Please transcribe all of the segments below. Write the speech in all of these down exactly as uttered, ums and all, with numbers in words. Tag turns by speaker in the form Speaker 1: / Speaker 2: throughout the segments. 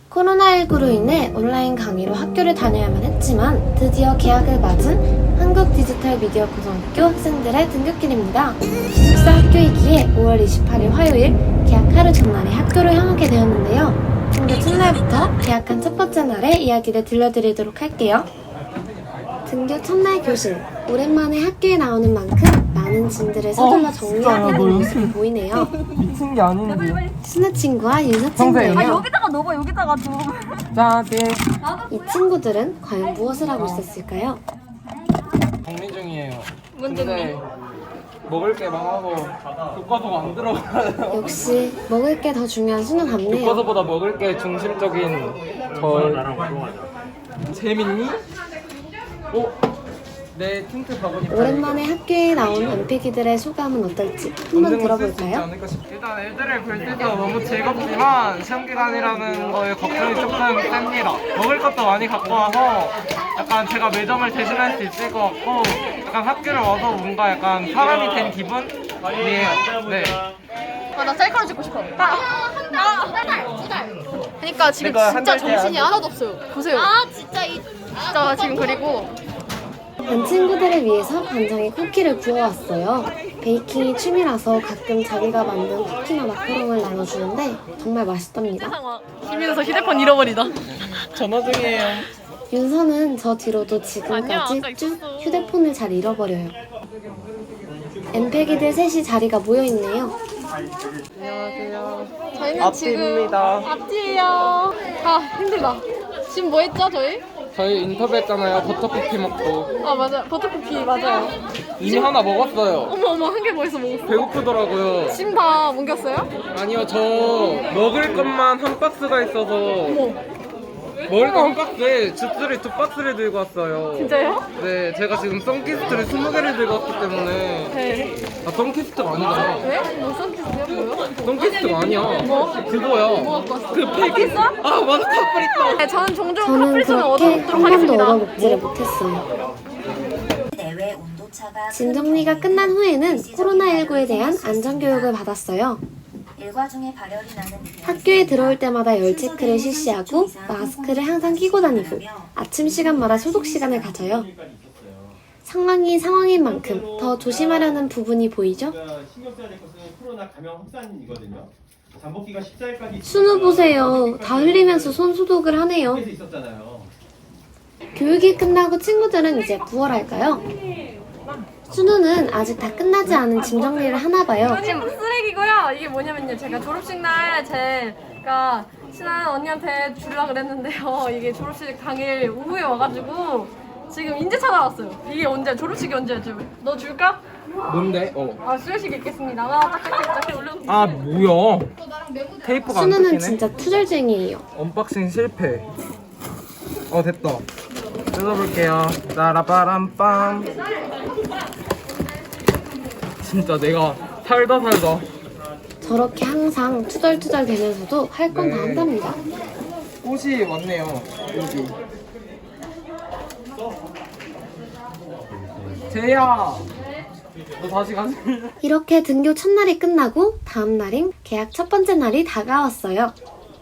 Speaker 1: 코로나십구로 인해 온라인 강의로 학교를 다녀야만 했지만 드디어 개학을 맞은 한국디지털미디어고등학교 학생들의 등굣길입니다. 기숙사 학교이기에 오월 이십팔일 화요일 개학 하루 전날에 학교를 향하게 되었는데요. 등교 첫날부터 개학한 첫 번째 날의 이야기를 들려드리도록 할게요. 등교 첫날 교실, 오랜만에 학교에 나오는 만큼 많은 짐들을 서둘러
Speaker 2: 어,
Speaker 1: 정리하고 있는 모습이 보이네요.
Speaker 2: 미친 게 아닌데.
Speaker 1: 순우 친구와 윤서 친구예요.
Speaker 3: 아 여기다가 넣어봐 여기다가 좀.
Speaker 2: 자, 네.
Speaker 1: 이 친구들은 과연 무엇을 하고 있었을까요?
Speaker 2: 정리 중이에요.
Speaker 3: 뭔
Speaker 2: 근데 먹을 게 많아서 교과서가 안 들어가요.
Speaker 1: 역시 먹을 게 더 중요한 순우 같네요.
Speaker 2: 교과서보다 먹을 게 중심적인 저. 재밌니? 어? 내 틴트 바구니.
Speaker 1: 오랜만에 학교에 나온 엠피기들의 소감은 어떨지 한번 들어볼까요?
Speaker 2: 일단 애들을 볼 때도 너무 즐겁지만 시험 기간이라는 거에 걱정이 조금 셉니다. 먹을 것도 많이 갖고 와서 약간 제가 매점을 대신할 수 있을 것 같고 약간 학교를 와서 뭔가 약간 사람이 된 기분이에요. 네.
Speaker 3: 아, 나 셀카를 찍고 싶어. 나, 나, 두 달, 두 달. 그러니까 지금
Speaker 2: 내가 한
Speaker 3: 진짜
Speaker 2: 달
Speaker 3: 정신이
Speaker 2: 돼야
Speaker 3: 하나도 없어요. 보세요. 아, 진짜 이, 진짜 지금 그리고
Speaker 1: 반 친구들을 위해서 반장이 쿠키를 구워왔어요. 베이킹이 취미라서 가끔 자기가 만든 쿠키나 마카롱을 나눠주는데 정말 맛있답니다.
Speaker 3: 상황. 김윤서 휴대폰 잃어버리다.
Speaker 2: 전화 중이에요.
Speaker 1: 윤서는 저 뒤로도 지금까지
Speaker 3: 아니야, 아까
Speaker 1: 쭉
Speaker 3: 있었어.
Speaker 1: 휴대폰을 잘 잃어버려요. 엠페기들 셋이 자리가 모여있네요.
Speaker 2: 안녕하세요.
Speaker 3: 저희는
Speaker 2: 앞뒤입니다.
Speaker 3: 지금 앞뒤예요. 아 힘들다. 지금 뭐 했죠 저희?
Speaker 2: 저희 인터뷰했잖아요. 버터쿠키 먹고
Speaker 3: 아 맞아 버터쿠키 맞아요.
Speaker 2: 이미 하나 먹었어요.
Speaker 3: 어머 어머 한 개 뭐 있어 먹었어?
Speaker 2: 배고프더라고요.
Speaker 3: 지금 다 뭉겼어요?
Speaker 2: 아니요, 저 먹을 것만 한 박스가 있어서
Speaker 3: 어머
Speaker 2: 먹을 거 한 박스에 주스를 두 박스를 들고 왔어요.
Speaker 3: 진짜요?
Speaker 2: 네, 제가 지금 선키스트를 스무 개를 들고 왔기 때문에.
Speaker 3: 네.
Speaker 2: 아, 선키스트가 아니잖아.
Speaker 3: 왜? 뭐 선키스요 뭐요?
Speaker 2: 선키스트가 아니야.
Speaker 3: 뭐?
Speaker 2: 그거야.
Speaker 3: 뭐 갖고 왔어?
Speaker 2: 그 팩이. 아, 맞아, 카프리타.
Speaker 3: 네, 저는 종종
Speaker 1: 저는
Speaker 3: 카프리선을
Speaker 1: 그렇게
Speaker 3: 얻어먹도록
Speaker 1: 한 번도
Speaker 3: 하겠습니다.
Speaker 1: 얻어먹지를 못했어요.
Speaker 4: 내외 온도차가
Speaker 1: 짐 정리가 끝난 후에는 코로나십구에 대한 안전교육을 받았어요.
Speaker 4: 일과 중에 발열이 나는
Speaker 1: 학교에 들어올 때마다 열 체크를 실시하고 마스크를 항상 끼고 다니고 아침 시간마다 소독 시간을 가져요. 상황이 상황인 만큼 더 조심하려는 부분이 보이죠?
Speaker 5: 신경 써야 될 것은 코로나 감염 확산이거든요. 잠복기가 십사일까지
Speaker 1: 순우 보세요. 다 흘리면서 손 소독을 하네요.
Speaker 5: 있었잖아요.
Speaker 1: 교육이 끝나고 친구들은 이제 무얼할까요? 순우는 아직 다 끝나지 않은 짐 정리를 하나 봐요.
Speaker 3: 지금 쓰레기고요. 이게 뭐냐면요. 제가 졸업식 날 제가 친한 언니한테 주려고 그랬는데요. 이게 졸업식 당일 오후에 와가지고 지금 인제 찾아왔어요. 이게 언제? 졸업식이 언제죠? 너 줄까?
Speaker 2: 뭔데? 어.
Speaker 3: 아 수료식 있겠습니다. 와 짝짝짝 올려.
Speaker 2: 아, 뭐야. 테이프가 안
Speaker 1: 순우는
Speaker 2: 뜯기네.
Speaker 1: 진짜 투절쟁이에요.
Speaker 2: 언박싱 실패. 어, 됐다. 뜯어볼게요. 짜라바람빰. 진짜 내가 살다 살다.
Speaker 1: 저렇게 항상 투덜투덜 되면서도 할 건 다
Speaker 2: 네.
Speaker 1: 한답니다.
Speaker 2: 꽃이 왔네요. 여기. 제이야, 너 다시 가지.
Speaker 1: 이렇게 등교 첫날이 끝나고 다음 날인 개학 첫 번째 날이 다가왔어요.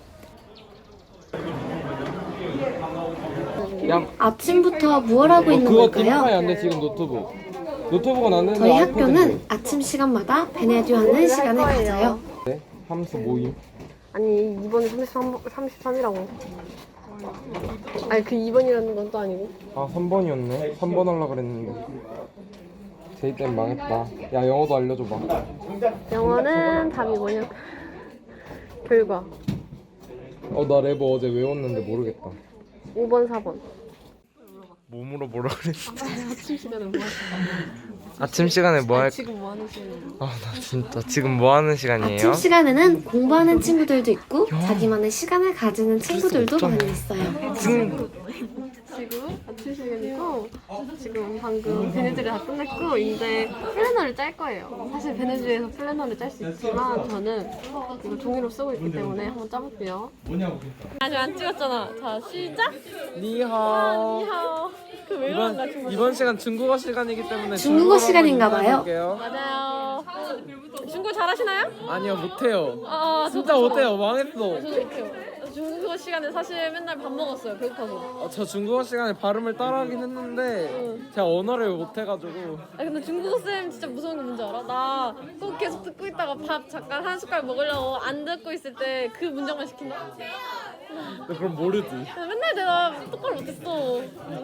Speaker 2: 야,
Speaker 1: 아침부터 무얼 하고 있는
Speaker 2: 그거 기능이
Speaker 1: 걸까요?
Speaker 2: 안 돼. 지금 노트북. 노트북은 안 되는데
Speaker 1: 저희
Speaker 2: 아이패드는
Speaker 1: 학교는
Speaker 2: 돼.
Speaker 1: 아침 시간마다 베네듀 하는 시간을 가져요.
Speaker 2: 네? 함수 모임.
Speaker 3: 아니 이번에 삼십삼, 삼십삼이라고. 아니 그 이 번이라는 건 또 아니고.
Speaker 2: 아, 삼 번이었네. 삼 번 하려고 그랬는데. 제이 땐 망했다. 야, 영어도 알려줘봐.
Speaker 3: 영어는 답이 뭐냐? 결과
Speaker 2: 어, 나 레버 어제 외웠는데 모르겠다.
Speaker 3: 오 번, 사 번.
Speaker 2: 몸으로 뭐라 그랬어?
Speaker 3: 아침 시간에 뭐 하세요?
Speaker 2: 아침 시간에 뭐 할?
Speaker 3: 지금 뭐 하는 시간이에요?
Speaker 2: 아, 나 진짜 지금 뭐 하는 시간이에요?
Speaker 1: 아침 시간에는 공부하는 친구들도 있고 자기만의 시간을 가지는 친구들도 많이 있어요.
Speaker 2: 지금
Speaker 3: 지금 아침 시간이고 지금 방금 베네즈를 다 끝냈고 이제 플래너를 짤 거예요. 사실 베네즈에서 플래너를 짤 수 있지만 저는 이거 종이로 쓰고 있기 때문에 한번 짜볼게요. 아직 안 찍었잖아. 자 시작.
Speaker 2: 니하오.
Speaker 3: 니하오. 그 외로운가
Speaker 2: 이번
Speaker 3: 친구.
Speaker 2: 이번 시간 중국어 시간이기 때문에
Speaker 1: 중국어
Speaker 2: 중국어로
Speaker 1: 시간인가 봐요.
Speaker 2: 인사드릴게요.
Speaker 3: 맞아요. 중국 잘하시나요?
Speaker 2: 아니요, 못해요.
Speaker 3: 아,
Speaker 2: 진짜
Speaker 3: 저도,
Speaker 2: 못해요. 망했어.
Speaker 3: 저도 못해요. 중국어 시간에 사실 맨날 밥 먹었어요. 배고파서.
Speaker 2: 어, 저 중국어 시간에 발음을 따라하긴 했는데
Speaker 3: 응.
Speaker 2: 제가 언어를 못해가지고
Speaker 3: 아 근데 중국어 쌤 진짜 무서운 거 뭔지 알아? 나 꼭 계속 듣고 있다가 밥 잠깐 한 숟갈 먹으려고 안 듣고 있을 때 그 문장만 시킨다?
Speaker 2: 그럼 모르지.
Speaker 3: 근데 맨날 내가 똑바로 못했어.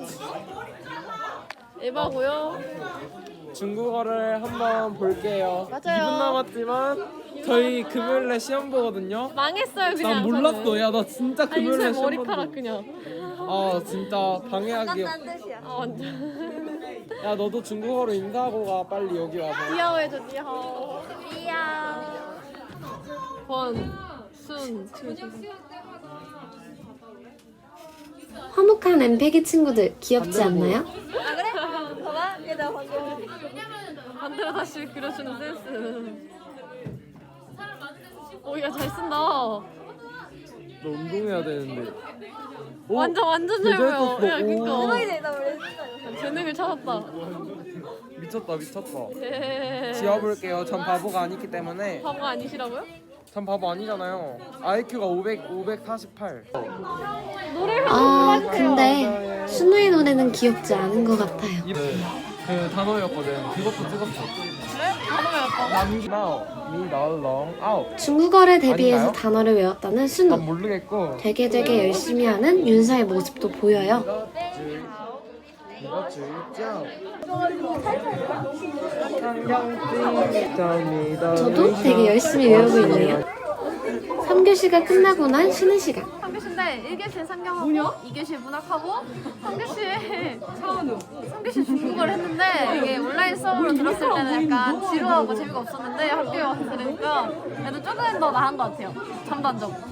Speaker 3: 에바고요.
Speaker 2: 중국어를 한번 볼게요.
Speaker 3: 맞아요.
Speaker 2: 이 분 남았지만 저희 금요일에 시험 보거든요.
Speaker 3: 망했어요 그냥.
Speaker 2: 난 몰랐어.
Speaker 3: 저는.
Speaker 2: 야 나 진짜
Speaker 3: 아니
Speaker 2: 금요일에
Speaker 3: 쌤
Speaker 2: 시험
Speaker 3: 머리카락
Speaker 2: 봤는데.
Speaker 3: 그냥.
Speaker 2: 아 진짜 방해하기.
Speaker 3: 아 완전.
Speaker 2: 야 너도 중국어로 인사하고 가 빨리 여기 와서.
Speaker 3: 디아오 해줘 디아오. 디아. 권, 순,
Speaker 1: 화목한 엠페기 친구들 귀엽지 않나요?
Speaker 3: 반대로 다시 그려주는 센스. 오야 잘 쓴다.
Speaker 2: 너 운동해야 되는데. 오,
Speaker 3: 완전 완전
Speaker 2: 되게
Speaker 3: 잘
Speaker 2: 잘
Speaker 3: 보여.
Speaker 2: 썼어.
Speaker 3: 야 그니까.
Speaker 2: 오.
Speaker 3: 재능을 찾았다.
Speaker 2: 미쳤다 미쳤다.
Speaker 3: 예.
Speaker 2: 지워볼게요. 전 바보가 아니기 때문에.
Speaker 3: 바보 아니시라고요?
Speaker 2: 전 바보 아니잖아요. 아이큐가 오백, 오백사십팔.
Speaker 3: 노래를
Speaker 1: 아, 근데 순우의 노래는 귀엽지 않은 것 같아요.
Speaker 2: 그 단어였거든. 그것도 찍었어.
Speaker 3: 그래? 단어였다고?
Speaker 2: 남기마오, 미널롱, 아웃.
Speaker 1: 중국어를 대비해서
Speaker 2: 아닌가요?
Speaker 1: 단어를 외웠다는
Speaker 2: 난
Speaker 1: 순우.
Speaker 2: 모르겠고.
Speaker 1: 되게 되게 열심히 하는 윤서의 모습도 보여요. 저도 되게 열심히 외우고 있네요. 삼 교시가 끝나고 난 쉬는 시간.
Speaker 3: 삼 교시인데 일 교시는 상경하고 이 교시 문학하고 삼 교시 삼 교시 중국어를 했는데 이게 온라인 수업으로 들었을 때는 약간 지루하고 재미가 없었는데 학교에 와서 들으니까 그래도 조금 더 나은 것 같아요. 잠도 안 자고.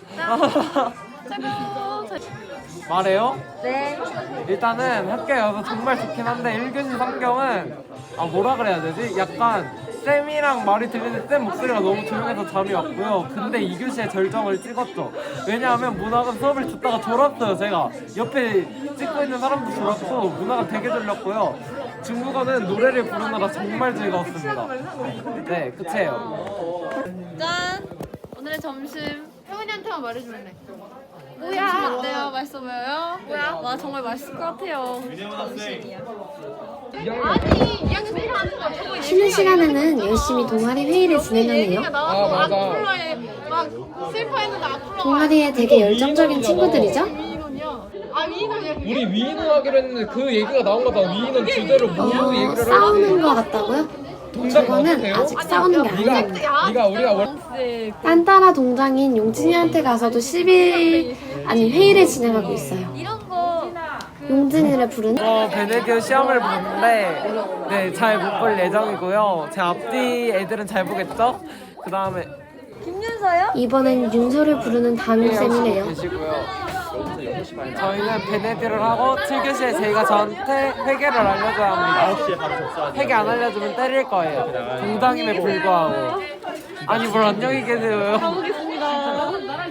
Speaker 3: 최고.
Speaker 2: 말해요? 네. 일단은 학교에 와서 정말 좋긴 한데 일 교시 상경은 아 뭐라 그래야 되지? 약간 쌤이랑 말이 들리는데 쌤 목소리가 너무 조용해서 잠이 왔고요. 근데 이 교시에 절정을 찍었죠. 왜냐하면 문학은 수업을 듣다가 졸았어요. 제가 옆에 찍고 있는 사람도 졸았고 문학은 되게 졸렸고요. 중국어는 노래를 부르느라 정말 즐거웠습니다. 네, 끝이에요.
Speaker 3: 짠! 오늘의 점심 혜원이한테만 말해주면 돼. 뭐야? 어때요? 맛있어 보여요? 뭐야? 와 정말 맛있을 것 같아요. 아니 이 학년 생일 하는 거 저거
Speaker 1: 쉬는 시간에는 열심히 동아리 회의를 진행하네요.
Speaker 3: 얘기가 나와서
Speaker 2: 아, 맞아.
Speaker 3: 악플러에 막 슬퍼했는데 악플러가
Speaker 1: 동아리에 되게 열정적인 친구들이죠?
Speaker 3: 위인원이야. 아 위인원이야 그게?
Speaker 2: 우리 위인원 하기로 했는데 그 얘기가 나온 거다. 위인원 주제로 뭐
Speaker 1: 어,
Speaker 2: 얘기를
Speaker 1: 싸우는 것 같다고요? 저거는 아직 싸우는 게 아닙니다.
Speaker 2: 네가 우리가 원
Speaker 1: 딴따라 동장인 용진이한테 가서도 시비 아니 회의를 진행하고 있어요. 용진이를 부르는
Speaker 2: 어, 베네디오 시험을 보는데 네, 잘 못 볼 예정이고요. 제 앞뒤 애들은 잘 보겠죠? 그 다음에
Speaker 1: 이번엔 윤서를 부르는 담임쌤이네요.
Speaker 2: 계시고요. 저희는 베네디오를 하고 칠 교시에 제이가 저한테 회계를 알려줘야 합니다.
Speaker 5: 아홉 시에 바로 접수하세요.
Speaker 2: 회계 안 알려주면 때릴 거예요. 동당임에 불구하고. 아니 뭘 안녕히 계세요.
Speaker 3: 가보겠습니다.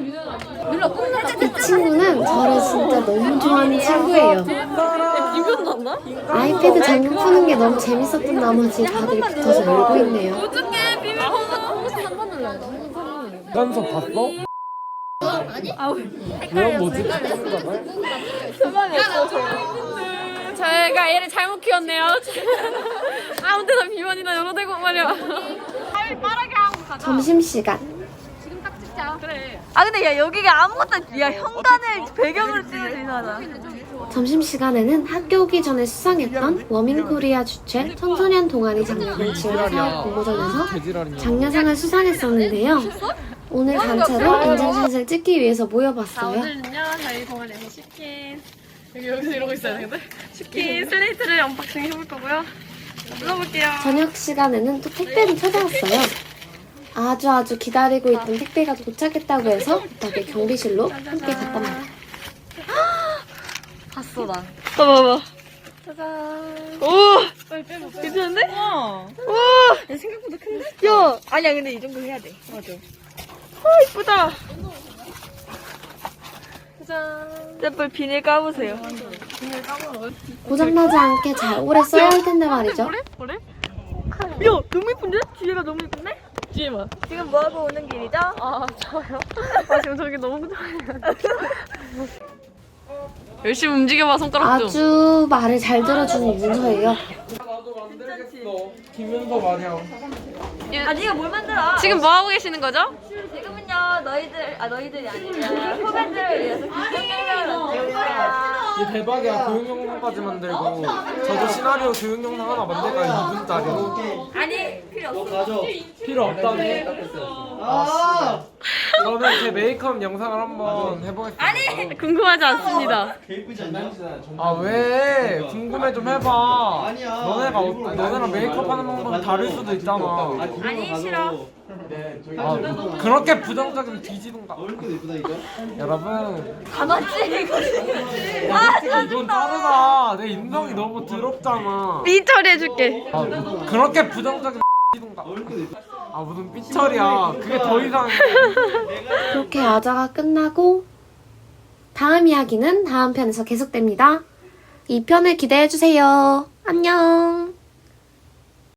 Speaker 1: 이 친구는 저를 진짜 너무 좋아하는 친구예요.
Speaker 3: 이건 났나?
Speaker 1: 아이패드 잠금 푸는 게 너무 재밌었던 나머지 다들 붙어서 놀고 있네요.
Speaker 3: 어떻게 비밀 홍보 한번 눌러야 돼. 한번 눌러야 돼.
Speaker 2: 연서 봤어? 뭐야 뭐지?
Speaker 3: 저희가 얘를 잘못 키웠네요. 아무 데나 비만이나 열어대고 말이야. 빨리 빠르게 하고 가자.
Speaker 1: 점심시간.
Speaker 3: 지금 딱 찍자. 그래.
Speaker 6: 아 근데 야 여기가 아무것도 야 현관을 배경으로 찍어도 이상하다.
Speaker 1: 점심시간에는 학교 오기 전에 수상했던 워밍코리아 주최 청소년 동아리 장려금 지원 사업 공모전에서
Speaker 2: 개지랄이냐.
Speaker 1: 장려상을 수상했었는데요. 오늘 단체로 인증샷을 찍기 위해서
Speaker 3: 자
Speaker 1: 모여봤어요.
Speaker 3: 오늘은요 저희 동아리에서 치킨 여기 여기서 이러고 있어야 되는데 치킨 슬레이트를 언박싱 해볼 거고요. 불러볼게요.
Speaker 1: 저녁 시간에는 또 택배를 찾아왔어요. 아주 아주 기다리고 있던 택배가 도착했다고 해서 덕에 경비실로 함께 갔단 말이에요.
Speaker 6: 봤어 나.
Speaker 3: 봐봐봐.
Speaker 6: 짜잔. 오. 괜찮은데? 와. 야 생각보다 큰데? 야 아니야 근데 이 정도 해야 돼. 맞아. 어 이쁘다. 짜잔. 제발 비닐 까보세요.
Speaker 1: 고장나지 않게 잘 오래 써야 할 텐데 말이죠.
Speaker 6: 그래? 그래? 야 너무 이쁜데? 뒤에가 너무 이쁜데? 웃지 마. 지금 뭐 하고 오는 길이죠?
Speaker 3: 아 저요? 아 지금 저기 너무 좋아요. 열심히 움직여봐 손가락 좀.
Speaker 1: 아주 말을 잘 들어주는 윤서예요.
Speaker 2: 나도 만들겠어. 김윤서 마냥.
Speaker 6: 아 네가 뭘 만들어?
Speaker 3: 지금 뭐 하고 계시는 거죠?
Speaker 6: 지금은요 너희들 아 너희들이 아니라 후배들을 위해서 게임을 만들 거야.
Speaker 2: 이게 대박이야. 교육 영상까지 만들고. 저도 시나리오 교육 영상 하나 만들까 이 분짜리로.
Speaker 6: 아니 필요 없어.
Speaker 2: 필요 없다니. 아, 저는 제 메이크업 영상을 한번 해보겠습니다. 아니.
Speaker 3: 궁금하지 않습니다.
Speaker 5: 예쁘지 않냐?
Speaker 2: 아 왜? 궁금해 좀 해봐. 너네가 어- 너네랑 메이크업 하는 방법이 다를 수도 있잖아.
Speaker 6: 아니 싫어.
Speaker 2: 아, 그렇게 부정적인 뒤지던가.
Speaker 5: 얼굴 예쁘다 이거.
Speaker 2: 여러분,
Speaker 6: 다 맞지 이거.
Speaker 2: 이건 다르다. 내 인성이 너무 더럽잖아.
Speaker 3: 삐 처리해줄게.
Speaker 2: 아, 그렇게 부정적인 뒤지던가. 아 무슨 삐처리야. 그게 더 이상해.
Speaker 1: 그렇게 아자가 끝나고 다음 이야기는 다음 편에서 계속됩니다. 이 편을 기대해주세요. 안녕.